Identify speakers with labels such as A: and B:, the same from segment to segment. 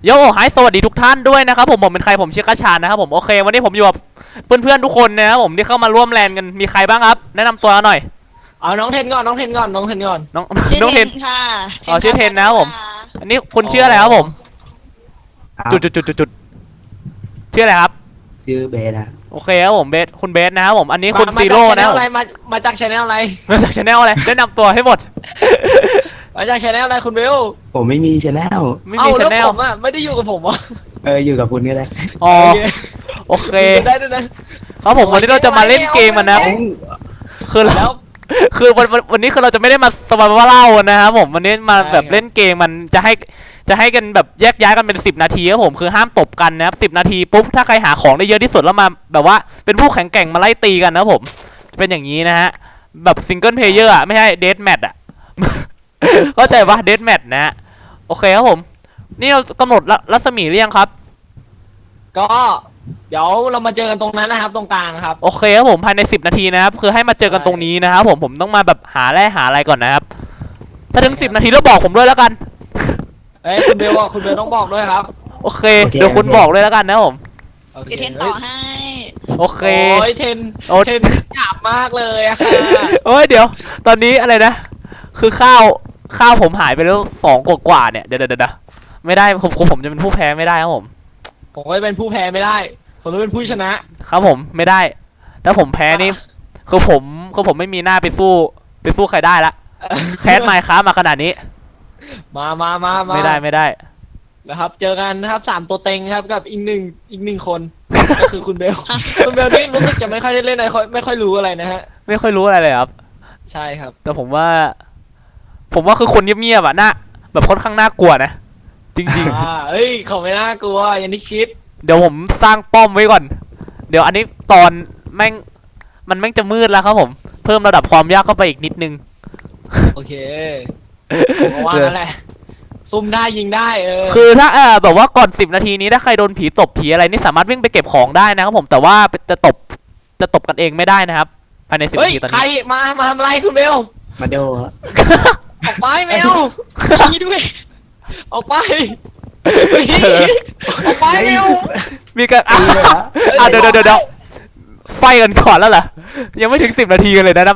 A: โยไฮสวัสดีทุกท่านด้วยนะครับผมเป็นใครผมชื่อกระชานนะครับผมโอเควันนี้ผมอยู่กับเพื่อนๆทุกคนนะครับผมที่เข้ามาร่วมแลนกันมีใครบ้างครับแนะนำตัวหน่อย
B: เอาน้องเทนก่อนน้องเทนก่อนน้องเทนก่อน
A: น้อง
C: ชื่อ
A: น้องเทน
C: ค่ะ
A: อ๋อชื่อเทนนะครับผมอันนี้คุณชื่ออะไรครับผมจุดชื่ออะไรครับ
D: ชื่อเบสนะ
A: โอเคครับผมเบสคุณเบสนะครับผมอันนี้คุณ
B: มา
A: ซี
B: จาก
A: โร่
B: ชแน
A: นะค
B: ล
A: รับ
B: อะไรมาจากชแนลอะไร
A: มาจากชาแนลอะไรแนะนำตัวให้หมด
B: มาจากชแนลอะไรคุณเบล
D: ผมไม่มีชแนล
A: ไม่มีชาแนล
B: ผมอ่ะไม่ได้อยู่กับผมอ่ะ
D: อยู่กับคุณก็ได้
A: อ๋อ
B: โอเค
A: โอเค
B: ได้ด้วยนะครับ
A: ผมวันนี้เราจะมาเล่นเกมกันนะ
B: เอา
A: คือเรา
B: แล้ว
A: คือวันนี้คือเราจะไม่ได้มาสบายว่าเล่านะครับผมวันนี้มา
B: ใช่
A: แบบเล่นเกมมันจะให้กันแบบแยกย้ายกันเป็น10 นาทีครับผมคือห้ามตบกันนะครับ10 นาทีปุ๊บถ้าใครหาของได้เยอะที่สุดแล้วมาแบบว่าเป็นผู้แข่งแกร่งมาไล่ตีกันนะครับผมเป็นอย่างนี้นะฮะแบบซิงเกิลเพลเยอร์อ่ะไม่ใช่เดธแมทอ่ะ เข้าใจปะเดธแมทนะฮะโอเคครับผมนี่เรากำหนดรัศมีหรือยังครับ
B: ก็เดี๋ยวเรามาเจอกันตรงนั้นนะครับตรงกลางครับ
A: โอเคครับผมภายใน10 นาทีนะครับคือให้มาเจอกันตรงนี้นะครับผมต้องมาแบบหาแร่หาอะไรก่อนนะครับถ้าถึง10 นาทีแล้วบอกผมด้วยแล้วกัน
B: เอ้ยคุณเบลอ่ะคุณเบลต้องบอกด้วยครับ
A: โอเคเดี๋ยวคุณบอกด้วยแล้วกันนะผม
B: โอเค
C: เดี๋ยวเทนต่อให้
A: โอเค
B: โอ้ยเทน
A: โอ้
B: เทนหยาบมากเลยอะค่ะ
A: โอ้ยเดี๋ยวตอนนี้อะไรนะคือข้าวผมหายไปแล้ว2 กว่าเนี่ยเดี๋ยวไม่ได้ผมจะเป็นผู้แพ้ไม่ได้ครับผม
B: ผมก็เป็นผู้แพ้ไม่ได้ผมต้องเป็นผู้ชนะครับ
A: ผมไม่ได้ถ้าผมแพ้นี่คือผมไม่มีหน้าไปสู้ใครได้ละแคสไมค์ค้ามาขนาดนี้
B: มา
A: ไม่ได้
B: นะครับเจอกันนะครับ3 ตัวเต็งครับกับอีกหนึ่งคน ก็คือคุณเบล คุณเบลนี่รู้สึกจะไม่ค่อยได้เล่นอะไรไม่ค่อยรู้อะไรนะฮะ
A: ไม่ค่อยรู้อะไรเลยครับ
B: ใช่ครับ
A: แต่ผมว่าคือคนเงียบๆอ่ะน่าแบบค่อนข้างน่ากลัวนะจริง
B: เอ้ยเขาไม่น่ากลัวอย่างที่คิด
A: ๆ เดี๋ยวผมสร้างป้อมไว้ก่อน เดี๋ยวอันนี้ตอนแม่งจะมืดแล้วครับผมเพิ่มระดับความยากเข้าไปอีกนิดนึง
B: โอเคผมก็ว่านั่นแหละซุ่มได้ยิงได้
A: คือถ้าแบบว่าก่อน10 นาทีนี้ถ้าใครโดนผีตบผีอะไรนี่สามารถวิ่งไปเก็บของได้นะครับผมแต่ว่าจะตบกันเองไม่ได้นะครับภายใน10
B: เฮ้ย
A: นาทีตอน
B: ใคร
A: นี้
B: มาทำอะไรคุณเบล
D: มาโดฮะ
B: ออกไปแมว
C: นี่ด้วย
B: ออกไปเฮ้ยออกไปแมว
A: มีการเดี๋ยวไฟกันก่อนแล้วเหรอยังไม่ถึง10 นาทีกันเลยนะ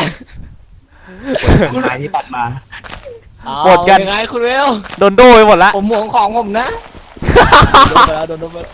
D: คุณนายที่ปัดมา
A: หมดกัน
B: ยังไงคุณเบล
A: โดนโดไปหมดละ
B: ผมห่วงของผมนะโดนไปแล้ว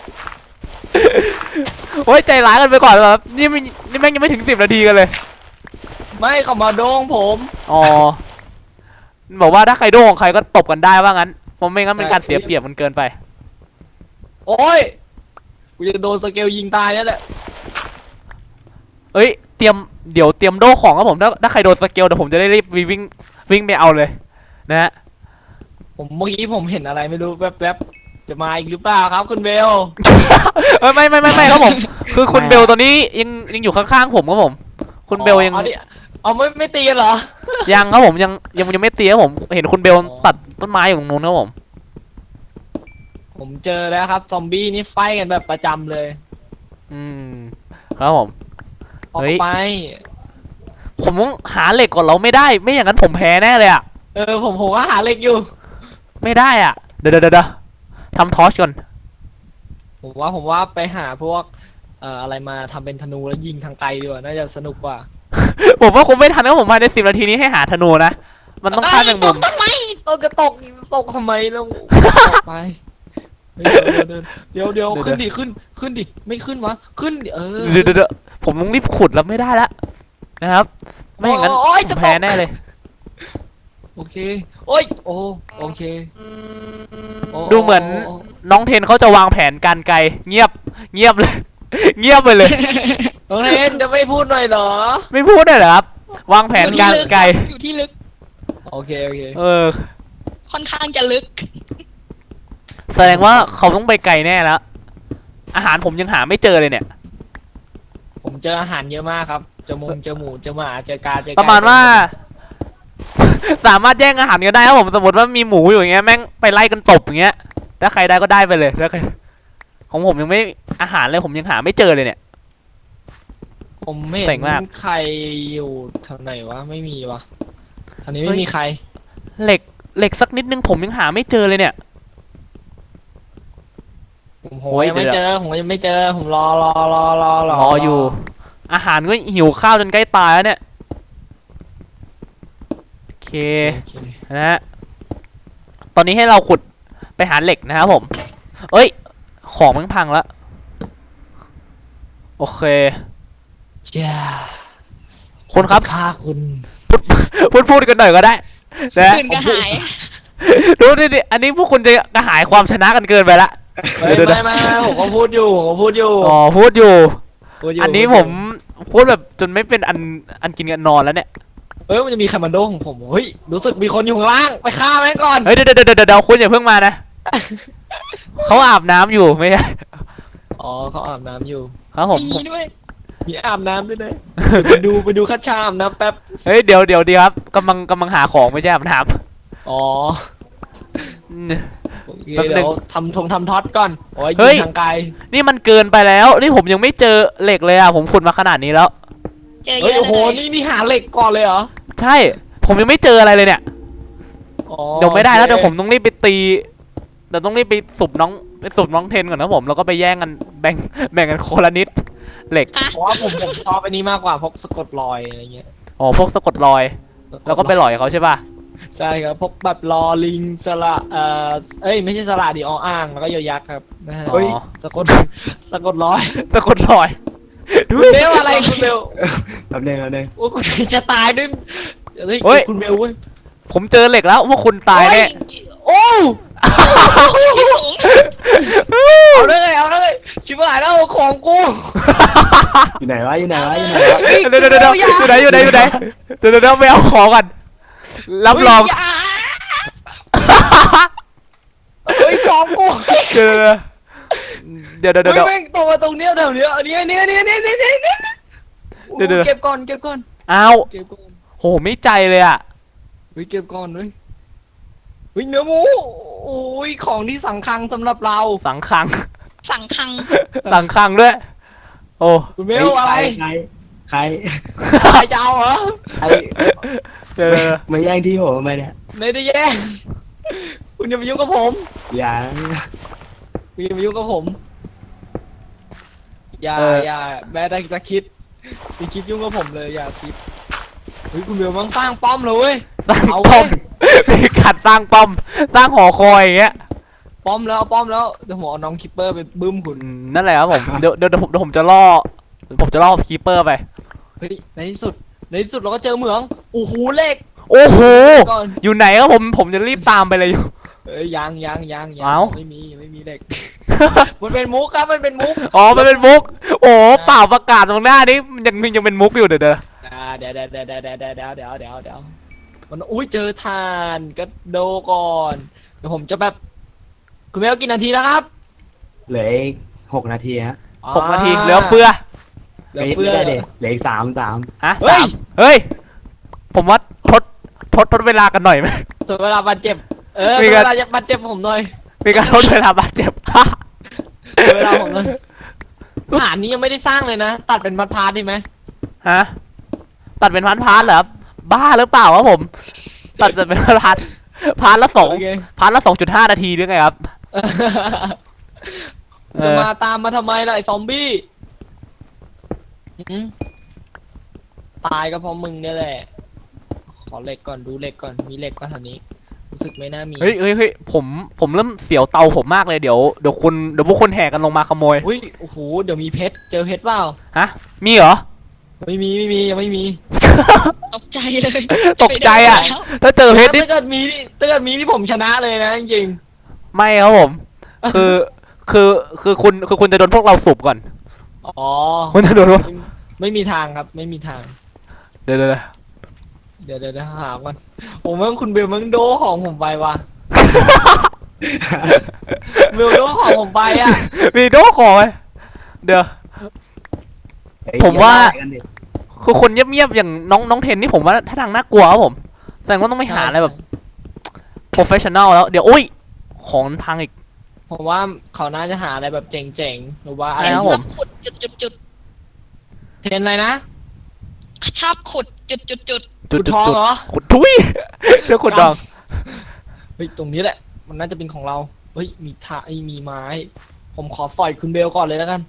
A: โอ้ยใจร้ายกันไปก่อนเลยครับนี่แม่งยังไม่ถึง10 นาทีกันเลย
B: ไม่เขามาโดงผม
A: อ๋อบอกว่าถ้าใครโดนของใครก็ตบกันได้ว่างั้นเพราะไม่งั้นเป็นการเสียเปรียบมันเกินไป
B: โอ้ยกูจะโดนสเกลยิงตายแล้วแหละ
A: เอ้ยเดี๋ยวเตรียมโดของครับผมถ้าใครโดนสเกลเดี๋ยวผมจะได้รีบวิ่งไปเอาเลยนะฮะ
B: เมื่อกี้ผมเห็นอะไรไม่รู้แวบๆจะมาอีกหรือเปล่าครับคุณเบล
A: ไม่ครับผมคือคุณเบลตอนนี้ยังอยู่ข้างๆผมครับผมคุณเบลยัง
B: เอาไม่ตีกันเหรอ
A: ยังครับผมยังไม่ตีครับผมเห็นคุณเบลตัดต้นไม้อยู่ตรงนู้นครับผม
B: ผมเจอแล้วครับซอมบี้นี่ไฟกันแบบประจำเลย
A: อืมครับผม
B: ออก
A: เฮ้ย
B: ไป
A: ผมต้องหาเหล็กก่อนเราไม่ได้ไม่อย่างนั้นผมแพ้แน่เลยอ่ะ
B: ผมก็หาเหล็กอยู่
A: ไม่ได้อ่ะเดี๋ยวทำทอร์ชก่อน
B: ผมว่าไปหาพวกอะไรมาทำเป็นธนูแล้วยิงทางไกลดีกว่าน่าจะสนุกกว่า
A: ผมว่าคงไม่ทันนะผมภายใน10 นาทีนี้ให้หาธนูนะมันต้องฆ่าแมงมุม
B: ตกทำไมตกทำไมแล้วไปเดี๋ยวขึ้นดิไม่ขึ้นวะขึ้นดิ
A: เดี๋ยวผมต้องรีบขุดแล้วไม่ได้ละนะครับไม่อย่างนั้นผมแพ้แน่เลย
B: โอเคโอ้ยโอเค
A: ดูเหมือนน้องเทนเขาจะวางแผนการไกลเงียบเลย เงียบไปเลย
B: น้องเทนจะไม่พูดหน่อยเหรอ
A: ไม่พูดได้เหรอครับวางแผนการไกล
C: อยู่ที่ลึก
B: โอเค
C: ค่อนข้างจะลึก
A: แสดงว่าเขาต้องไปไกลแน่แล้วอาหารผมยังหาไม่เจอเลยเนี่ย
B: ผมเจออาหารเยอะมากครับเจอหมูเจอหมาเจอกาเจอ
A: ประมาณว่า สามารถแย่งอาหารกันได้ครับผมสมมติว่ามีหมูอยู่อย่างเงี้ยแม่งไปไล่กันตบอย่างเงี้ยถ้าใครได้ก็ได้ไปเลยถ้าใครของผมยังไม่อาหารเลยผมยังหาไม่เจอเลยเนี่ย
B: ผมไม่เห็
A: เจ๋ง
B: น
A: มาก
B: ใครอยู่ทางไหนวะไม่มีวะทางนี้ไม่มีใคร
A: เหล็กสักนิดนึงผมยังหาไม่เจอเลยเนี่ย
B: ผมยังไม่เจอผมยังไม่เจอผมรอ
A: รออยู่ อาหารก็หิวข้าวจนใกล้ตายแล้วเนี่ยโอเค
B: โอเค
A: นะฮะตอนนี้ให้เราขุดไปหาเหล็กนะครับผมเอ้ยของมันพังแล้วโอเค
B: เจ้า
A: คุณครับ
B: ฆ่าคุณ
A: พูดกันหน่อยก็ได้นะ
C: คืนก็หาย
A: ดูดิอันนี้พวกคุณจะกระหายความชนะกันเกินไปละ
B: ไม่ผมก็พูดอยู่
A: อ๋อพูดอยู่
B: พูดอยู่
A: อันนี้ผมพูดแบบจนไม่เป็นอันกินกันนอนแล้วเนี่ย
B: มันจะมีคาร์มันโดของผมเฮ้ยรู้สึกมีคนอยู่ข้างล่างไปฆ่าแม่งก่อน
A: เฮ้ยเดี๋ยวคุณอย่าเพิ่งมานะเขาอาบน้ำอยู่ไม่ใช่
B: อ๋อเขาอาบน้ำอยู่
A: ครับผม
C: มีด้วย
B: มีอาบน้ำด้วยนะไปดูคัดชาอาบน้ำแป๊บ
A: เฮ้ยเดี๋ยวครับกำลังหาของไม่ใช่อาบน้ำ
B: อ๋อ
A: อืม
B: โอเค
A: แป๊บนึง
B: เดี๋ยวทำท็อตก่อนโอ้ย
A: เฮ้
B: ยิ
A: ย
B: งทางไกล
A: นี่มันเกินไปแล้ว นี่ผมยังไม่เจอเหล็กเลยอ่ะผมขุดมาขนาดนี้แล้ว
C: เจอเย
B: เฮ้ย
C: อะ
B: โอ้โห
C: เลย
B: นี่หาเหล็กก่อนเลยเหรอ
A: ใช่ ผมยังไม่เจออะไรเลยเนี่ย
B: อ๋อ
A: เดี๋ยวไม่ได้แล้ว
B: โอ
A: เดี๋ยว
B: เค
A: ผมต้องรีบไปตีเดี๋ยวต้องรีบไปสูบน้องเทนก่อนนะผมแล้วก็ไปแย่งกันแบ่งกันคนละนิดเหล็ก
B: เพราะว่าผมชอบอันนี้มากกว่าพวกสะกดรอยอะไรเงี้ย
A: อ๋อพวกสะกดรอย แล้วก็ไปหล่อยเขาใช่ป่ะ
B: ใช่ครับพวกแบบรอลิงสระไม่ใช่สระดิออ่างแล้วก็ยอยักษ์ครับนะฮะ
A: เฮ้ย
B: สะกดสะกดรอย
A: สะกดรอยดู
B: คุณเบลอะไรคุณเบล
D: แป๊บนึง
B: โอ้กูจะตายด้วยเฮ้ยคุณเบลเว้ย
A: ผมเจอเหล็กแล้วพวกคุณตายแน่
B: โอ้
C: ที่สูง
B: เอาเลยชิบหายแล้วของกู
D: อยู่ไหนวะ
A: เดี๋ยวอยู่ไหนเดี๋ยวไปเอาของกันรับรอง
B: เฮ้ยของกู
A: เดี๋ยว
B: เฮ้ยแม่งตัวมาตรงเนี้ยแถวเนี้ยอันนี้เก็บก่อน
A: อ้าวโหไม่ใจเลยอ่ะ
B: เฮ้ยเก็บก่อนเฮ้ยเนื้อหมูโอ้ยของที่สังคังสำหรับเรา
A: สังคัง
C: สั่งคัง
A: สังคังด้วยโอ้
B: คุณเบลอะไร
D: ใคร
B: ใครจะเอาเหรอ
D: ใคร
A: เดี๋ยว
D: มาแย่งที่ผมทำไมเนี่ย
B: ไม่ได้แย่งคุณอย่ามายุ่งกับผม
D: อย่า
B: คุณอย่ามายุ่งกับผมอย่าแม้แต่จะคิดยุ่งกับผมเลยอย่าคิดเฮ้ยคุณเบลมันสร้างป้อมเลยเว้ย
A: สร้าง
B: เอา
A: ป้อม
B: เว้ย
A: มีการสร้างป้อมสร้างหอคอยอย่างเงี้ย
B: ป้อมแล้วเดี๋ยวผมเอาน้องคิปเปอร์ไปบึ้มคุณ
A: นั่นแหละครับผมเดี๋ยวผมจะล่อคีเปอร์ไป
B: เฮ้ยในที่สุดเราก็เจอเหมืองโอ้โหเหล็ก
A: โอ้โห
B: ก่อน
A: อยู่ไหนครับผมจะรีบตามไปเลยอยู่
B: เอ้ยยัง
A: เอ้า
B: ไม่มีเหล็ก มันเป็นมุกครับมันเป็นมุก
A: อ๋อมันเป็นมุก โอ้เปล่าประกาศตรงหน้านี้มันยังเป็นมุกอยู่เดี๋ยว
B: เดี๋ยวมันอุ้ยเจอทานก็โดก่อนเดี๋ยวผมจะแบบคุณเมลกี่นาทีแล้วครับ
D: เหลืออีก6 นาทีฮะ
A: 6 นาทีเหลือเฟือ
B: เหลือเฟือ
D: ไม่ใช่เด็เหลืออีก3
A: ฮะ
B: เฮ้ย
A: เฮ้ยผมว่าทดเวลากันหน่อยไหม
B: ตัวเวลาบาดเจ็บตัว
A: มี
B: เว
A: การ
B: ลาบาดเจ็บผมหน่อย
A: มีการทดเวลาบาดเจ็บ
B: ตัวเวลาผมหน่อยฐานนี้ยังไม่ได้สร้างเลยนะตัดเป็นพาร์ทได้ไหม
A: ฮะตัดเป็นพาร์ทเหรอครับบ้าหรือเปล่าครับผม ตัดเป็นพาร์ทละ
B: โอเค
A: พาร์ทละ 2.5 นาทีหรือไงครับ
B: จะมาตามมาทำไมล่ะไอ้ซอมบี้ตายก็เพราะมึงเนี่ยแหละ ขอเหล็กก่อนดูเหล็กก่อนมีเหล็กก็แถวนี้รู้สึกไม่น่ามี
A: เฮ้ยผมเริ่มเสียวเตาผมมากเลยเดี๋ยวพวกคนแห่กันลงมาขโมย
B: อุ้ยโอ้โหเดี๋ยวมีเพชรเจอเพชรเปล่า
A: ฮะมีเหรอ
B: ไม่มียังไม่มี
C: ตกใจเลย
A: ตกใจอ่ะ ถ้าเจอเพชรนี่
B: ถ้าเกิดมีนี่ผมชนะเลยนะจริง
A: ไม่ครับผม คือคุณจะโดนพวกเราสูบก่อน
B: ๆอ๋อ
A: คุณจะโดนว่า
B: ไม่มีทางครับไม่มีทาง
A: เดี๋ยว
B: เดี๋ยวหาก่อนผมว่าคุณเบลมึงโดของผมไปว่ะ เบลโดของผมไปอ่ะ
A: มีโดขอไหมเดี๋ยว
D: เฮ้ย
A: ผมว่า
D: อย่กันดิ
A: คือคนเงียบๆอย่างน้องเทนนี่ผมว่าถ้าทางน่ากลัวครับผมแสดงว่าต้องไปหาอะไรแบบ professional แล้วเดี๋ยวอุ้ยของมันพังอีก
B: ผมว่าเขาน่าจะหาอะไรแบบเจ๋งๆหรือว่าอะไร
A: ใช่ครับผม
C: ขุดจุด
B: เทรนอะไรนะ
C: ชอบขุดจุด
B: ขุดทองเหรอ
A: ขุดทุยเดี๋ยวขุดดอง
B: เฮ้ยตรงนี้แหละ มันน่าจะเป็นของเราเฮ้ยมีมีไม้ ผผมขอสอยคุณเบลก่อนเลยแล้วกัน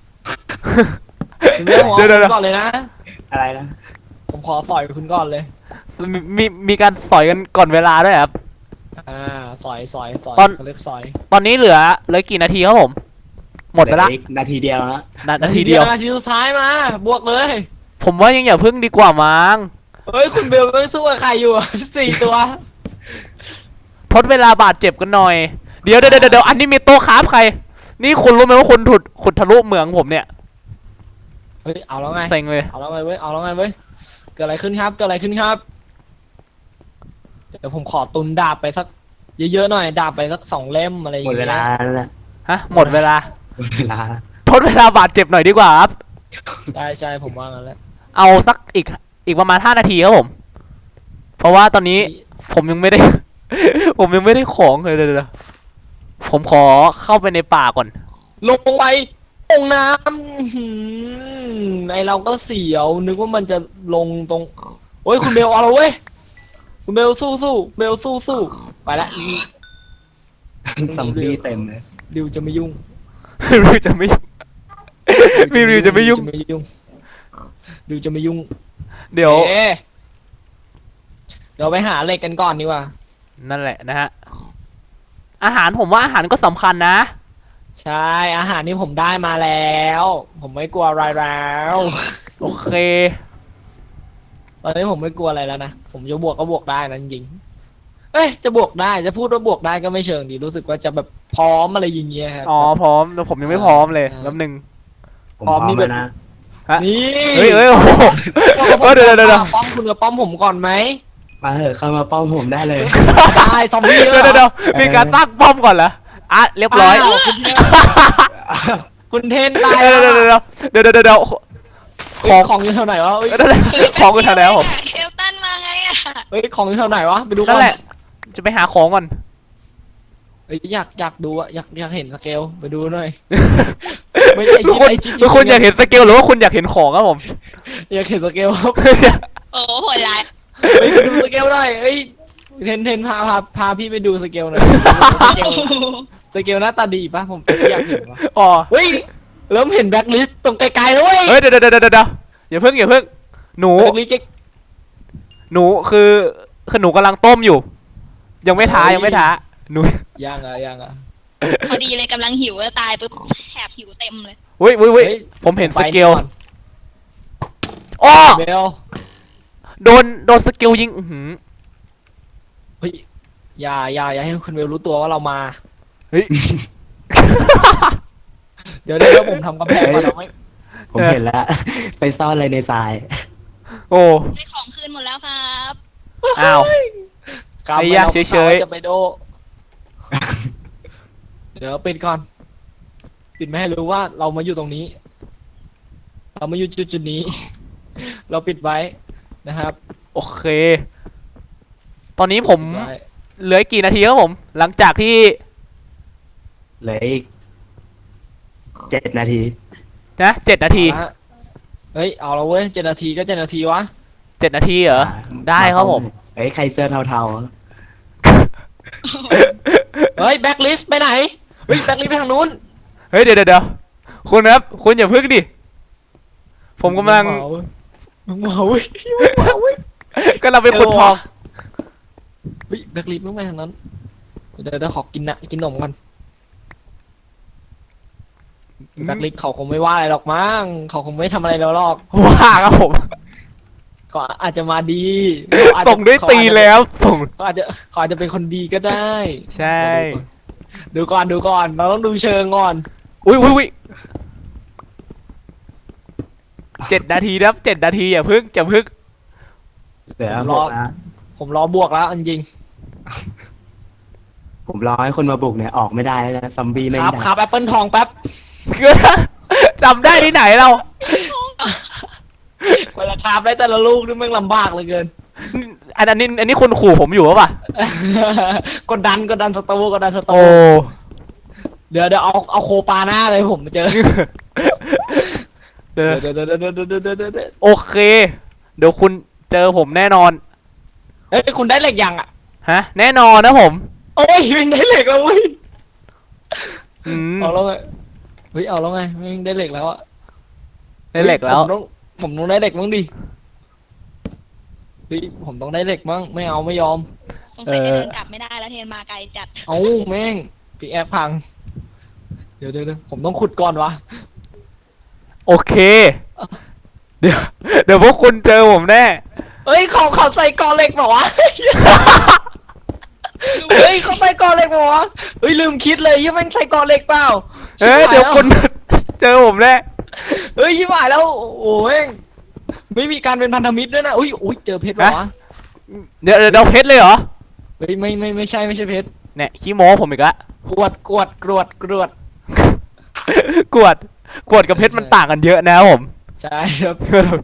B: คุณเบลผม
A: เดี๋ยว
B: เอาคุณก่อนเลยนะ
D: อะไรนะ
B: ผมขอสอยคุณก่อนเลย
A: มีการสอยกันก่อนเวลาด้วยครับ
B: สอย
A: ตอน
B: เขาเรียกสอย
A: ตอนนี้เหลือกี่นาทีครับผม หมดไปละ
D: เหออีกนาทีเดียวฮะ
A: นาทีเดียว
B: นาทีสุดท้ายมา บวกเลย
A: ผมว่ายังอย่าพึ่งดีกว่ามั้ง
B: เฮ้ยคุณเบลต้องสู้กับใครอยู่อะ 4 ตัว
A: ทดเวลาบาดเจ็บกันหน่อย เดี๋ยวอันนี้มีโต๊ะคราฟใคร นี่คุณรู้ไหมว่าคุณขุดทะลุเหมืองผมเนี่ย
B: เฮ้ยเอาแล้วไง
A: เซ็งเลย
B: เอาแล้วไงเว้ยเอาแล้วไงเว้ยเกิดอะไรขึ้นครับเกิดอะไรขึ้นครับ เดี๋ยวผมขอตุนดาบไปสักเยอะๆหน่อยดาบไปสัก2 เล่มอะไรอย่าง
D: หมด
B: เงี้ย
D: เวลาแล้วนะ
A: ฮะ หมดเวลา
D: หมดเวลา
A: ทดเวลาบาดเจ็บหน่อยดีกว่าครับ
B: ใช่ผมว่างั้นแหละ
A: เอาสักอีกประมาณ5 นาทีครับผม เพราะว่าตอนนี้ผมยังไม่ได้ ผมยังไม่ได้ของเลยเดี๋ยวผมขอเข้าไปในป่าก่อน
B: ลงไปลงน้ำอื้อหือไอเราก็เสียวนึกว่ามันจะลงตรงโอ้ยคุณเบลเอาแล้วเว้ยคุณเบลสู้เบลสู้ไปละ
D: ซอมบี้เต็มเลย
B: ริวจะไม่ยุ่ง
A: ริวจะไม่ยุ่งริวจะไม่ยุ่ง
B: ริวจะไม่ยุ่ง
A: เดี๋ยว
B: เอ๊ะเดี๋ยวไปหาเหล็กกันก่อนดีกว่า
A: นั่นแหละนะฮะ อาหารผมว่าอาหารก็สำคัญนะ
B: ใช่อาหารที่ผมได้มาแล้ว ผมไม่กลัวอะไรแล้ว
A: โอเค
B: ตอนนี้ผมไม่กลัวอะไรแล้วนะผมจะบวกก็บวกได้นะจริงๆเอ้ยจะบวกได้จะพูดว่าบวกได้ก็ไม่เชิงดีรู้สึกว่าจะแบบพร้อมอะไรอย่างเงี้ยครับ
A: อ๋อพร้อมแต่ผมยังไม่พร้อมเลย
B: ใช่
A: แป๊บนึง
D: ผมพร้อมแล้วนะ
B: นี่
A: เฮ้ยโอ้โห เดี๋ยว
B: ป้อมคุณกับป้อมผมก่อนไหม
D: มาเถอะเข้ามาป้อมผมได้เลย
B: ได้ซอมบี้เยอะ
A: เดี๋ยวมีการตั้งป้อมก่อนเหรออ่ะเรียบร้อย
B: าวคุณเทนตาย
A: เดี๋ยว
B: แล้ว
A: เดี๋ยว
B: เฮ้ยของอยู่แถวไหนวะเฮ้ย
A: ของกูทำแล้วผม
C: เคลตันมาไงอะ
B: เฮ้ยของอยู่แถวไหนวะไปดูก่
A: นั่
B: อน
A: นแหละ จะไปหาของก่อน
B: เฮ้ยอยากดูอะอยากเห็นสเกลไปดูหน่อยไม่ใช่
A: ทุกคน
B: ไอ้จิ๊ด
A: ทุกคนอยากเห็นสเกลหรือว่าคุณอยากเห็นของครับผม
B: อยากเห็นสเกลครับ
C: โอ้โหโหดร้าย
B: ไปดูสเกลหน่อยเฮ้ยเทนพาพี่ไปดูสเกลหน่อยสเกลหน้าตาดีปะผมอยากเห็นวะ
A: อ๋อ
B: เฮ้ยเริ่มเห็นแบ็คลิสต์ตรงไกลๆแล้วเว้ย
A: เฮ้ยเดี๋ยวอย่าเพิ่งหนู
B: แบ็คลิสต์
A: หนูคือหนูกำลังต้มอยู่ ยังไม่ท้าหนู
B: ยังอ่ะ
C: พอดีเลยกำลังหิวแล้วตายปุ๊บแถบหิวเต็มเลย
A: เฮ้ยผมเห็นสเกลอ้อ
B: เบล
A: โดนสเกลยิงอื้อหือ
B: เฮ้ยอย่าให้คุณเบลรู้ตัวว่าเรามา
A: เฮ้ย
B: เดี๋ยวผมทำกำแพงมาเราไม่
D: ผมเห็นแล้ว ไปซ่อนอะไรในทราย
A: โอ้
C: ได้ของคืนหมดแล้วครับ
A: อ้าว
B: กำ
A: ไอ้ยะ
B: เรา
A: เฉยๆ
B: จะไปโด เดี๋ยวปิดก่อนปิดไม่ให้รู้ว่าเรามาอยู่ตรงนี้ เรามาอยู่จุดนี้ เราปิดไว้นะครับ
A: โอเค ตอนนี้ผม
B: ปิดไว้
A: เหลืออีกกี่นาทีครับผม หลังจากที่
D: เหลืออีก7 นาที
A: นะ7 นาที
B: เอาละเฮ้ยเอาละเว้ย7 นาทีก็7 นาทีวะ
A: 7 นาทีเหรอ ได้ครับผม
D: เอ้ยใครเสื้อเทา
B: เฮ้ยแบ็คลิสต์ไปไหนเฮ้ยแบ็คลิสต์ไปทางนู้น
A: เฮ้ยเดี๋ยวคุณครับ คุณอย่าพึ่งดิ ผมกำลัง
B: มึงเมาเว้ยมึงเมาเว้ย
A: กำลังเป็นคนทอง
B: เฮ้ยแบ็คลิสต์มึงไปทางนั้นเดี๋ยวขอกินนมกันแบ็คลิสต์เขาคงไม่ว่าอะไรหรอกมั้งเขาคงไม่ทำอะไรเราหรอก
A: ว่าครับผม
B: ก็อาจจะมาดี
A: ส่งด้วยตีแล้วส่ง
B: เขาอาจจะเป็นคนดีก็ได้
A: ใช่
B: ดูก่อนเราต้องดูเชิงก่อน
A: อุ้ย7 นาทีครับ7 นาทีอย่าพึ่ง
D: ๆเหลือ6นะ
B: ผมรอบวกแล้วจริง
D: ผมรอให้คนมาบุกเนี่ยออกไม่ได้แล้วนะซอมบี้ไม่
B: ครับ
D: ได้
B: ครับแอปเปิลทองแป๊บ
A: จำได้ที่ไหนเรา
B: เวลาคาบได้แต่ละลูกนี่แม่งลำบากเหลยเกิน
A: อันนี้คุณขู่ผมอยู่หรือเปล่า
B: กดดันสตูกดดันสตู
A: โอ้
B: เดี๋ยวเอาโคปาหน้าเลยผมเจอ
A: เดี๋ยว
B: เดี๋ยว
A: โอเค เดี๋ยวคุณเจอผมแน่นอน
B: เฮ้ยคุณได้เหล็กยังอ่ะ
A: ฮะ แน่นอนนะผม
B: โอ้ยวิ่งได้เหล็กแล้วเว้ย
A: อืม
B: เอาแล้วไงเฮ้ยเอาแล้วไงแม่งได้เหล็กแล้วอะ
A: ได้เหล็กแล้ว
B: ผมต้องได้เหล็กบ้างดิเฮ้ยผมต้องได้เหล็กบ้างไม่เอาไม่ยอม
C: สงสัยจะเดินกลับไม่ได้แล้วเทนมาไกลจัด
B: เอาแม่งพี่แอปพังเดี๋ยวผมต้องขุดก่อนวะ
A: โอเค เดี๋ยวเดี๋ยวพวกคุณเจอผมแน่
B: เฮ้ยเขาใส่กอเหล็กเปล่าวะ เฮ้ยเขาใส่กอเหล็กเปล่าวะเฮ้ยลืมคิดเลยยังแม่งใส่กอเหล็กเปล่า
A: เอ้ย
B: ชิบหา
A: เดี๋ยว
B: แล้
A: คุณ เจอผมแน่
B: เฮ้ยชิบหายแล้วโอ้ยไม่มีการเป็นพันธมิตรด้วยนะอุ้ยเจอเพชรเปล่าวะ
A: เดี๋ยวเพชรเลยเหรอ
B: เฮ้ยไม่ใช่เพชร
A: เนี่ยขี้โม้ผมอีกละ
B: กรวด
A: กวดกับเพชรมันต่างกันเยอะนะครับผม
B: ใช่ครับ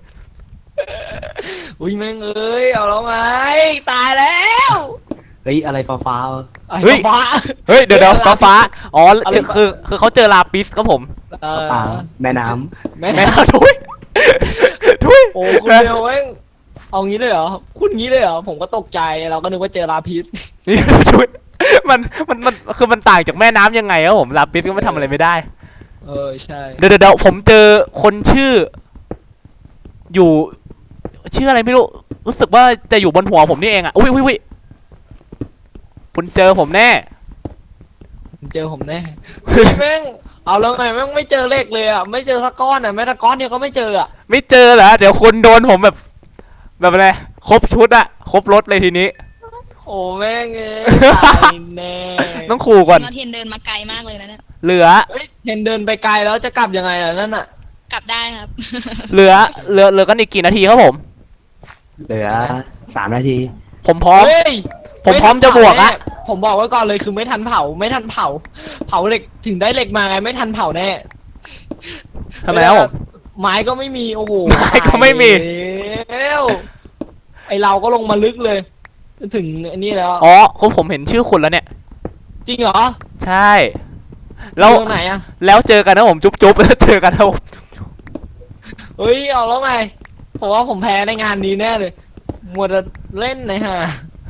B: อุ้ยแม่งเอ้ยเอาแล้วไงตายแล้ว
D: เฮ้ยอะไรฟ้าๆวะ
A: เฮ้ย
B: ฟ้า
A: เฮ้ยเดี๋ยวฟ้าอ๋อ
B: อะไร
A: คือเขาเจอลาปิสครับผม
B: เออ
D: เปล่าแม่น้
B: แม่
A: แม่น่าทุยทุย
B: โอ้คุณเบลแม่งเอางี้เลยเหรอคุณงี้เลยเหรอผมก็ตกใจเราก็นึกว่าเจอลาพิษ
A: นี่ทุยมันคือมันต่างจากแม่น้ำยังไงครับผมลาปิสก็ไม่ทำอะไรไม่ได้
B: ใช่
A: เดี๋ยวผมเจอคนชื่อ อยู่ชื่ออะไรไม่รู้รู้สึกว่าจะอยู่บนหัวผมนี่เองอ่ะอุ้ยคุณเจอผมแน่
B: เจอผมแน่เฮ้ยแม่งเอาแล้วไงแม่งไม่เจอเลขเลยอ่ะไม่เจอสักก้อนอ่ะแม้แต่ก้อนเดียวก็ไม่เจออ่ะ
A: ไม่เจอเหรอเดี๋ยวคุณโดนผมแบบอะไรครบชุดอะครบรถเลยทีนี้
B: โอ้แม่งเอ้ยตายแน่
A: ต้องขู่ก่อน
C: เทนเดินมาไกลมากเลยนะเนี่ย
A: เหลือ
B: เฮ้ยเห็นเดินไปไกลแล้วจะกลับยังไงล่ะนั่นอ่ะ
C: กลับได้ครับ
A: เหลือกันอีกกี่นาทีครับผม
D: ำเหลือ3 นาที
A: ผมพร้อม
B: เฮ้ย
A: ผมพร้อมจะบวกอะ
B: ผมบอกไว้ก่อนเลยคือไม่ทันเผาเผาเหล็กถึงได้เหล็กมาไงไม่ทันเผาแน่
A: ทำไมครับผม
B: ไม้ก็ไม่มีโอ้โห
A: ไม้ก็ไม่มี
B: แล้วไอเราก็ลงมาลึกเลย ถึงอันนี้แล้ว
A: อ๋อคุณผมเห็นชื่อคุณแล้วเนี่ย
B: จริงเหรอ
A: ใช่แล้ว
B: เรื่องไหนอะ
A: แล้วเจอกันนะผมจุ๊บแล้วเจอกันนะผม
B: เฮ้ยเอาแล้วไงผมว่าผมแพ้ในงานนี้แน่เลยมัวแต่เล่นนะฮะ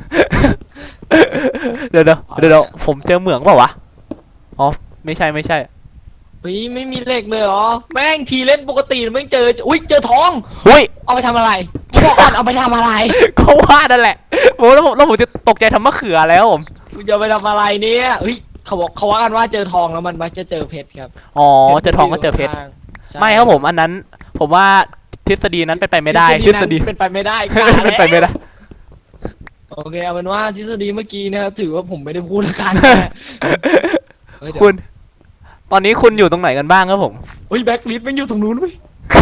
A: เดี๋ยวผมเจอเหมืองเปล่าวะอ๋อไม่ใช่
B: เฮ้ยไม่มีเหล็กเลยเหรอแม่งทีเล่นปกติแม่งเจออุ้ยเจอทอง
A: อุ้ย
B: เอาไปทำอะไรบอกก่อนเอาไปทำอะไร
A: ก็ว่านั่นแหละโอ้แล้วผมจะตกใจทำมะเขือแล้วผม
B: กูจะไปทำอะไรเนี่ยเฮ้ยเขาว่ากันว่าเจอทองแล้วมันมักจะเจอเพชรครับ
A: อ๋อเจอทองก็เจอเพชร
B: ใช่
A: ไม่ครับผมอันนั้น ผมว่าทฤษฎีนั้นเป็นไปไม่ได้ทฤษฎี
B: นั้นเป็นไปไม่ได้
A: เป็นไปไม่ได้
B: โอเคเอาเป็นว่าทฤษฎีเมื่อกี้นะครับถือว่าผมไม่ได้พูดละกันเฮ้ยเดี๋ยว
A: คุณ ตอนนี้คุณอยู่ตรงไหนกันบ้างครับผม
B: เฮ้ยแบ็คลิสต์มันอยู่ตรงนู้นเว้ย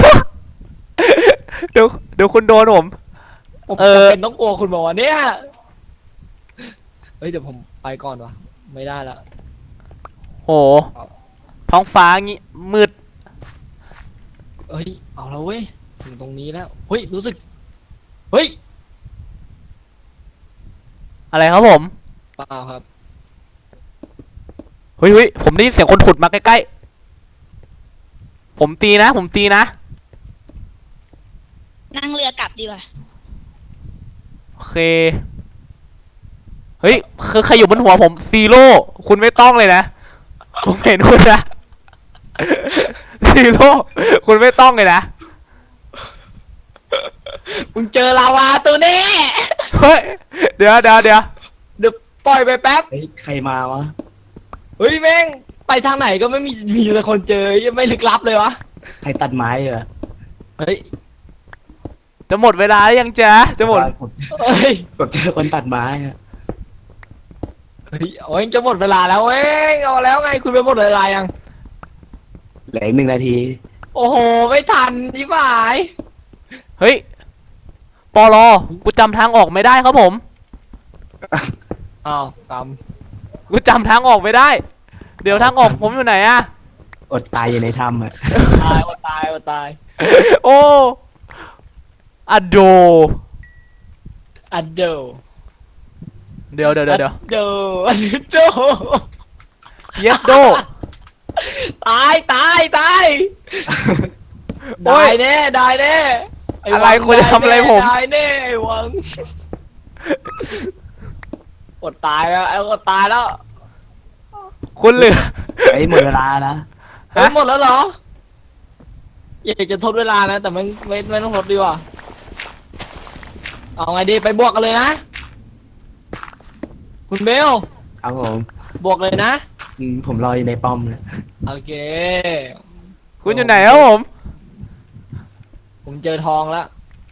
A: เดี๋ยวคุณโดนผม
B: ผม
A: เออ
B: จำเป็นต้องกลัวคุณบอกว่าเนี่ยเฮ้ยเดี๋ยวผมไปก่อนวะไม่ได้ละ
A: โอ้ท้องฟ้างี้มืด
B: เฮ้ยเอาแล้วเว้ยถึงตรงนี้แล้วเฮ้ยรู้สึกเฮ้ย
A: อะไรครับผม
B: เปล่าครับ
A: เฮ้ยผมได้ยินเสียงคนขุดมาใกล้ๆผมตีนะ
C: นั่งเรือกลับดีกว่า
A: โอเคเฮ้ยคือใครอยู่บนหัวผมซีโร่คุณไม่ต้องเลยนะผมเห็นคุณนะ ซีโร่คุณไม่ต้องเลยนะ
B: มึงเจอลาวาตัวนี้
A: เฮ้ยเดี๋ยว
B: เดี๋ยวปล่อยไปแป๊บ
D: เฮ้ยใครมาวะ
B: เฮ้ยแม่งไปทางไหนก็ไม่มีแต่คนเจอยังไม่ลึกลับเลยวะ
D: ใครตัดไม้เหรอ
B: เฮ้ย
A: จะหมดเวลาหรือยังจ๊ะจะหมด
D: ผม
B: เฮ้ย
D: ผมเจอคนตัดไม้อะ
B: เฮ้ยโอ้ยจะหมดเวลาแล้วเว้ยเอาแล้วไงคุณไปหมดเวลายัง
D: เหลืออีก1 นาที
B: โอ้โหไม่ทันชิบหาย
A: เฮ้ยปอลอกูจำทางออกไม่ได้ครับผม
B: อ้าวก
A: กูจำทางออกไม่ได้ เดี๋ยวทางออกผมอยู่ไหนอะ
D: อดตายอยู่ในถ้ำอะ
B: ำตายอดตาย
A: โอ้อะโด
B: อันเดอร์
A: เดี๋ยว
B: อันเดอร์อันเดอร์
A: เยสโด
B: ตาย
A: โอ้ย
B: ได้แน่ไวัง
A: อะไรคุณจะทำอะไรผม
B: ได้แน่ไอ้หวังอดตายแล้ว
A: คุณเหลือ
D: เฮ้ยหมดเวลานะ
A: ฮ
B: เฮ้ยหมดแล้วเหรออยากจะทดเวลานะแต่ไม่ต้องทดดีกว่าเอาไงดีไปบวกกันเลยนะคุณเบล
D: ครับผม
B: บวกเลยนะ
D: ผมรออยู่ในป้อมเลย
B: โอเค
A: คุณอยู่ไหนครับผม
B: ผมเจอทองแล้ว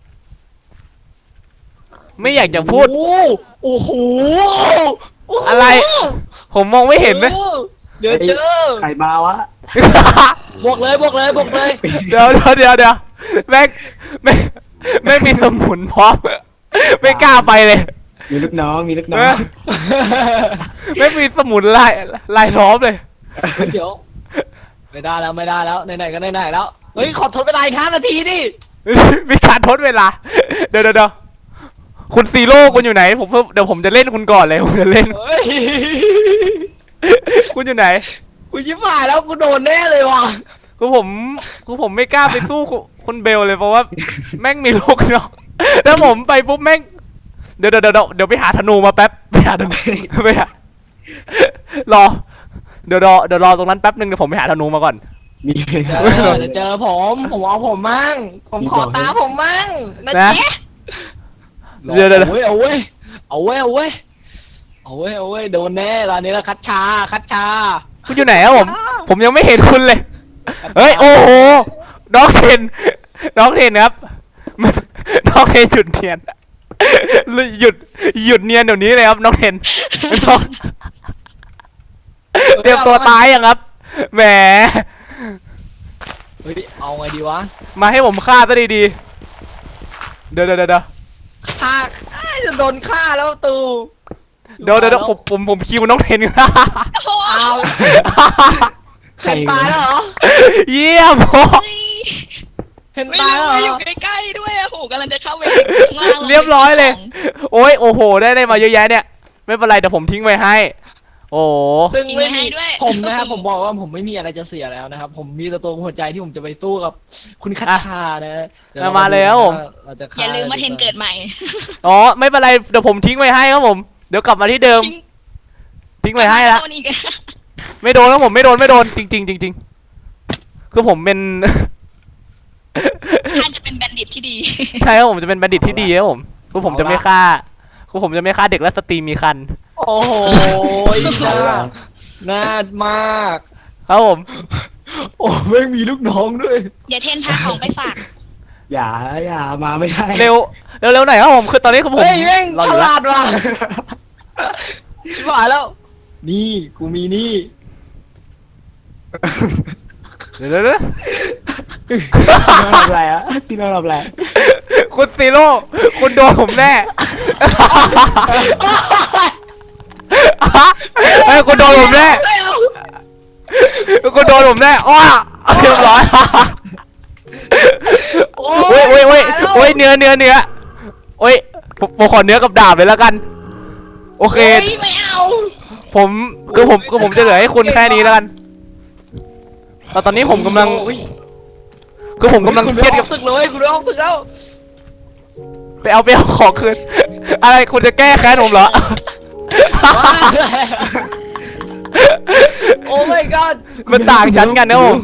A: ไม่อยากจะพูด
B: โอ้โห
A: อะไร ผมมองไม่เห็นนะ
B: โอ้โเดี๋ยวเจอ
D: ใครมาวะ
B: บวกเลยบวกเลยบวกเลย
A: เดี๋ยวแม่งแม่งมีสมุนพร้อมไม่กล้าไปเลย
D: มีลูกน้องมีลูกน้อ
A: แม่
D: ง
A: งแม่งมีสมุนลายล้อมเลย
B: เดี๋ยวไม่ได้แล้วไหนๆก็ไหนๆแล้วเฮ้ยขอทดเวลาอีก5 นาทีดิ
A: มีการทดเวลา เดี๋ยวคุณซีโร่คุณอยู่ไหนเดี๋ยวผมจะเล่นคุณก่อนเลยผมจะเล่น
B: เฮ้ย
A: คุณอยู่ไหน
B: กูชิบหายแล้วกูโดนแน่เลยว่ะ
A: คือผมไม่กล้าไปสู้คุณเบลเลยเพราะว่าแม่งมีลูกเนาะถ้าผมไปปุ๊บแม่งเดี๋ยวไปหาธนูมาแป๊บไปหาธนูไปหารอเดี๋ยวรอตรงนั้นแป๊บนึงเดี๋ยวผมไปหาธนูมาก่อน
D: มี
B: เดี๋ยวเจอผมเอาผมมั่งผมขอตาผมมั่งนะ
A: นะ
B: เจ๊
A: เดี๋ยว
B: เอาเว้ยโดนแน่ตอนนี้แล้วคัดชา
A: คุณอยู่ไหนครับผมยังไม่เห็นคุณเลย เฮ้ยโอ้โหน้องเทนครับน้องเทนหยุดเนียนหยุดเนียนเดี๋ยวนี้เลยครับน้องเทนน้องเตรียมตัวตายยังครับแหม
B: เฮ้ยเอาไงดีวะ
A: มาให้ผมฆ่าซะดีๆเดี๋ยว
B: ฆ่าจะโดนฆ่าแล้วตู
A: ผมคิวน้องเทน
B: เอา
D: ใคร
B: เห็นตายแล้วเหรอ
A: เยี่ยมพ่อ
C: เฮ้ย
B: เห็น
C: ไม่
B: ตายแล้วเหร
C: รู้อยู่
B: อ
C: ใกล้ๆด้วยอะโหกำลังจะเข้าไปข้างล่าง
A: เรียบร้อยเลย โอ้โหได้มาเยอะแยะเนี่ยไม่เป็นไรเดี๋ยวผมทิ้งไว้ให้ โอ้
B: ซึ่ง
C: ทิ้ง
B: ไม่
C: ไว้
B: มี
C: ให้ด้วย
B: ผมนะครับผมบอกว่าผมไม่มีอะไรจะเสียแล้วนะครับ ผมมีแต่ตัวหัวใจที่ผมจะไปสู้กับคุณคัชชานะเดี๋ยวเร
A: มาแล้ว
B: เราจะฆ่
C: อย่าลืมมาเทนเกิดใหม่
A: อ๋อไม่เป็นไรเดี๋ยวผมทิ้งไว้ให้ครับผมเดี๋ยวกลับมาที่เดิม ทิ้งไว้ให้ละ
C: โดนอีกอะ
A: ไม่โดนครับผมไม่โดนจริงคือผมเป็น
C: ท่านจะเป็นแบนดิตที่ดี
A: ใช่ครับผมจะเป็นบัณฑิตที่ดีครับผมคือผมจะไม่ฆ่าเด็กและสตรีมีคัน
B: โอ้โหน่ามาก
A: ครับผม
B: โอ้ไม่มีลูกน้องด้วย
C: อย่าเทนพาของไปฝาก
D: อย่ามาไม่ได้
A: เร็วหน่อยครับผมคือตอนนี้คือผม
B: เฮ้ยแม่ง
A: รอ
B: ฉ
A: อยู่
B: ลาดว่ะชิบหายแล้ว นี่กูมีนี่
A: เดี๋ยว
D: ทำอะไรอะที่เราทำอะไร
A: คุณซีโร่คุณโดนผมแน่เฮ้ยคุณโดนผมแน่คุณโดนผมแน่อ้อเรียบร้อย
B: โอ้
A: โอ้ยเนื้อโอ้ยผมขอเนื้อกับดาบเลยแล้วกันโอเค
C: เฮ้ยไม่เอา
A: ผมจะเหลือให้คุณแค่นี้แล้วกันแต่ตอนนี้ผมกำลังผมกำลังเครียดกับ
B: ศึกเลยคุณไม่ออกศึกแล้ว
A: ไปเอาของคืนอะไรคุณจะแก้แค้นผมเหรอ
B: โอ้ my god
A: มันต่างชั้นกันนะผม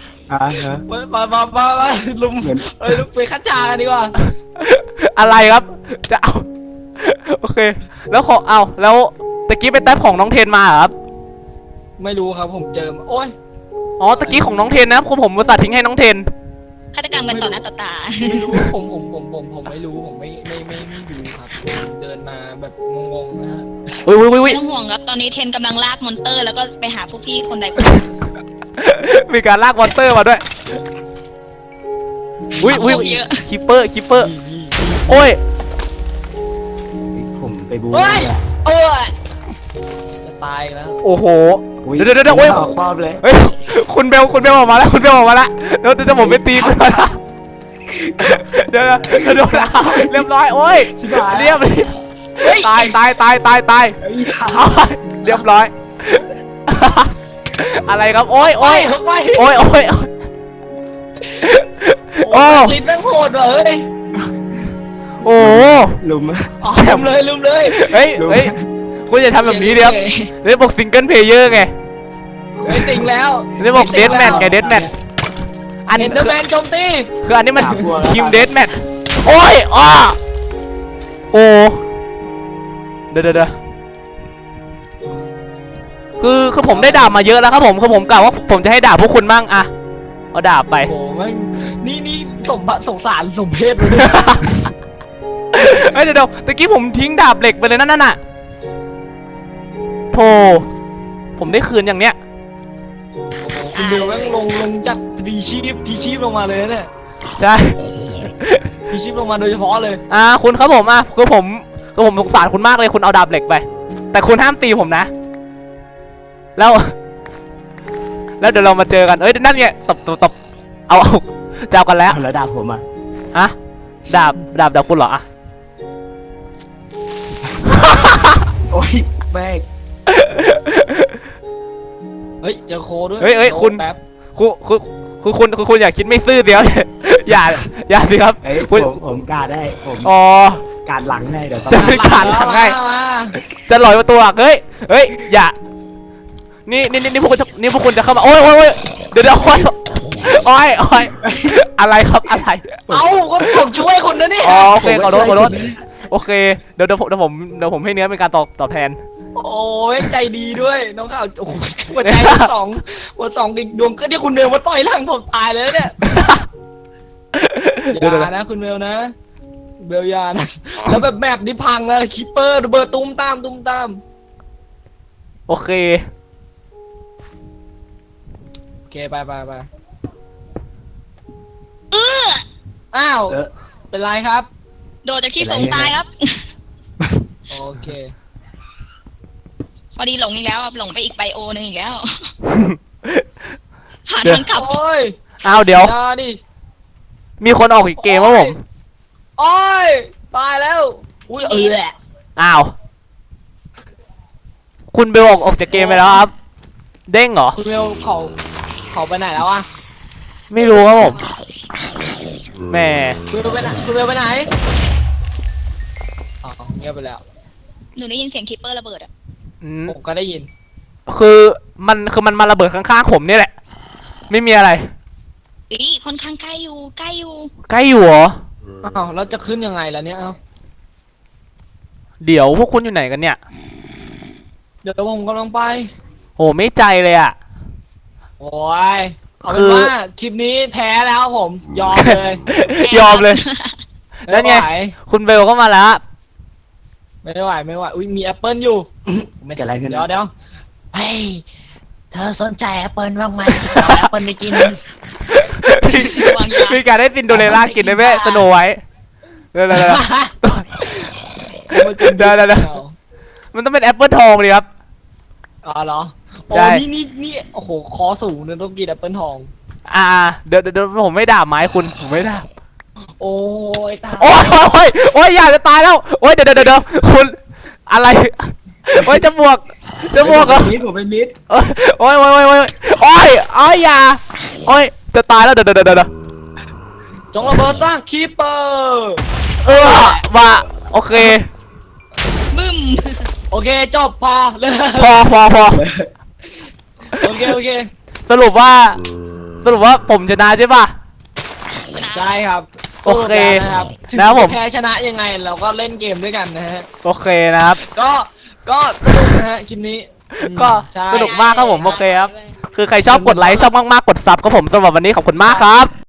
B: มาลุมลุมไปคัดชากันดีกว่า
A: อะไรครับจะเอาโอเคแล้วแล้วตะกี้ไปแท็บของน้องเทนมาเหรอครับ
B: ไม่รู้ครับผมเจอมาโอ้ย
A: อ๋อตะกี้ของน้องเทนนะผมอุตส่าห์ทิ้งให้น้องเทน
C: ฆาตกรรมกันต่อหน้าต่อตา
B: ไม่รู้ผมไม่รู้ผมไม่ดูครับผมเดินมาแบบงงๆนะฮะ
A: อุ้ย
C: ไม่ต้องห่วงครับ ตอนนี้เทนกำลังลากมอนเตอร์แล้วก็ไปหาพวกพี่คนใดคนหนึ่ง
A: มีการลากมอนเตอร์มาด้วยอุ้ย
C: เยอะ
A: คิปเปอร์
B: นี่
A: โอ้ย
D: ผมไปบู
B: เฮ้ย
D: อะ
B: จะตายแล้ว
A: โอ้โห
D: อุ๊ย
A: เดี๋ยวโอ้ย
D: ครอบเลย
A: เฮ้ยคุณเบลออกมาแล้วเดี๋ยวผมไปตีคุณมาละเดี๋ยวโดนเรียบร้อยโอ้ย
D: ชิบหาย
A: เรียบตายเอาเรียบร้อย อะไรครับโอ้ย
B: โอ้ย
A: โอ้
B: ลิ้นแม่งโหดว่ะเฮ้ย
A: โอ้โห
D: ลุม
B: ลืมเลย
A: เฮ้ยคุณอย่าทำแบบนี้เดี๋ยวเรียกบอกซิงเกิลเพลเยอร์ไง
B: ไม่สิงแล้ว
A: นี่บอกเดดแมทไงเดดแมทอัน
B: เอ็นเดอร์แมนโจมตี
A: คืออันนี้มันทีมเดดแมทโอ้ยอ้อโอ้เดี๋ยวคือผมได้ดาบมาเยอะแล้วครับผมคือผมกล่าวว่าผมจะให้ดาบพวกคุณมั่งอะเอาดาบไป
B: โอ้โหแม่งนี่สงสารสมเพศเลยเนี่ย
A: เฮ้ยเดี๋ยวตะกี้ผมทิ้งดาบเหล็กไปเลยนั่นน่ะโธ่ผมได้คืนอย่างเนี้ย
B: คุณเบลแม่งลงจากพีชีพลงมาเลยนะเนี่ย
A: ใช่
B: พีชีพลงมาโดยเฉพาะเลย
A: คุณครับผมคือผมสงสารคุณมากเลยคุณเอาดาบเหล็กไปแต่คุณห้ามตีผมนะแล้วเดี๋ยวเรามาเจอกันเอ้ยนั่นไงตบเอาเจ้ากันแล้ว
D: แล้วดาบผมอ่ะ
A: อะดาบคุณเหรออะ
D: โอ้ยแม่ง
B: เฮ้ยเจอโคด้วย
A: เฮ้ยคุณ
B: แป๊บ
A: คุณอย่าคิดไม่ซื่อเดียว อย่าสิครับ
D: เอ้ย
A: คุณ
D: ผมการได้ผม
A: อ๋อ
D: การหลังได้เดี๋ยวต้อง
A: จะไม่ขาดหลังให้
B: มา
A: จะลอยประตูอ่ะเฮ้ยอย่านี่พวกคุณจะเข้ามาโอ้ยเดี๋ยวโอ้ยอะไรครับอะไร
B: เอาก็ผมช่วยคุณนะเนี่ย
A: อ๋อโอเคขอโทษโอเคเดี๋ยวผมให้เนื้อเป็นการตอบแทน
B: โอ้ยใจดีด้วยน้องข่าวโอ้โหหัวใจหัวสองอีกดวงก็ที่คุณเบลมาต่อยหลังผมตายเลยเนี่ย
A: เดี๋ยว
B: อย่านะคุณเบลนะเบลอยานะแล้วแบบนี้พังนะคิปเปอร์ระเบิดตุ้มตาม
A: โอเค
B: โอเคไปอ้าว
D: เออ
B: เป็นไรครับ
C: โดดจากที่สูงตายครับ
B: โอเค
C: พอดีหลงอีกแล้วครับหลงไปอีกไบโอนึงอีกแล้ว หาทางกลับ
B: โอ้ย
A: อ้าวเดี๋ยว
B: อย่าดิ
A: มีคนออกอีกเกมวะผม
B: โอ้ยตายแล้วอุ้ยแหละ
A: อ้าวคุณเบลออกจากเกมไปแล้วครับเด้งเหรอ
B: คุณเบลเขาไปไหนแล้วอะ
A: ไม่รู้ครับผมแหม
B: คุณเบลไปไหนอ๋อเงียบไปแล้ว
C: หนูได้ยินเสียงคิปเปอร์ระเบิดอ่ะ
B: ผมก็ได้ยิน
A: คือมันมาระเบิดข้างๆผมนี่แหละ ไม่มีอะไร
C: อีค่อนข้างใกล้อยู่
A: ใกล้อยู่เหรอ
B: อ้าวแล้วจะขึ้นยังไงล่ะเนี่ยเอ้า
A: เดี๋ยวพวกคุณอยู่ไหนกันเนี่ย
B: เดี๋ยวผมกำลังไป
A: โหไม่ใจเลยอ่ะ
B: โอ้ยเอา
A: คื
B: เป็น
A: อ
B: ว่าคลิปนี้แพ้แล้วครับผมยอมเลย
A: ยอมเลย แล้วไง
B: ม่หว
A: คุณเบลก็มาแล้ว
B: ไม่ไหวอุ้ยมีแอปเปิลอยู่
D: ไม่เกิดอะไรขึ้น
B: เดี๋ยวเฮ้ยเธอสนใจแอปเปิลบ้างไหมแอปเปิลไปกิน
C: วางยา
A: มีการได้ซินโดเรลล่ากินได้ไหมสโนไว้เดี๋ยวมันต้องเป็นแอปเปิลทองเลยครับ
B: อ๋อเหรอโอ้
A: ได้
B: นี่โอ้โหคอสูงเนี่ยต้องกินแอปเปิลทอง
A: เดี๋ยวผมไม่ด่าไม้คุณผมไม่ด่า
B: โอ้ยตาย
A: โอ้ยอยากจะตายแล้วโอ้ยเดี๋ยวคุณอะไรโอ้ยจะบวกเหรอ
D: ผมเป็นมิด
A: โอ้ยอย่าโอ้ยจะตายแล้วเดี๋ยว
B: จงระเบิดซะคีปเปอร์
A: ว่าโอเค
C: บึ้ม
B: โอเคจบพอเลย
A: พอ
B: โอเค
A: สรุปว่าผมชนะใช่ป่ะ
B: ใช่ครับ
A: โอเค
B: สู้กันนะครับถึง
A: นะครับผม
B: แพ้ชนะยังไงเราก็เล่นเกมด้วยกันนะฮะ
A: โอเคนะครับ
B: ก็สนุกนะฮะคลิปนี้
A: ก็
B: ใช่
A: สนุกมากครับผมโอเคครับ คือใครชอบกดไลค์ชอบมากๆกดซับครับผมสำหรับวันนี้ขอบคุณมากครับ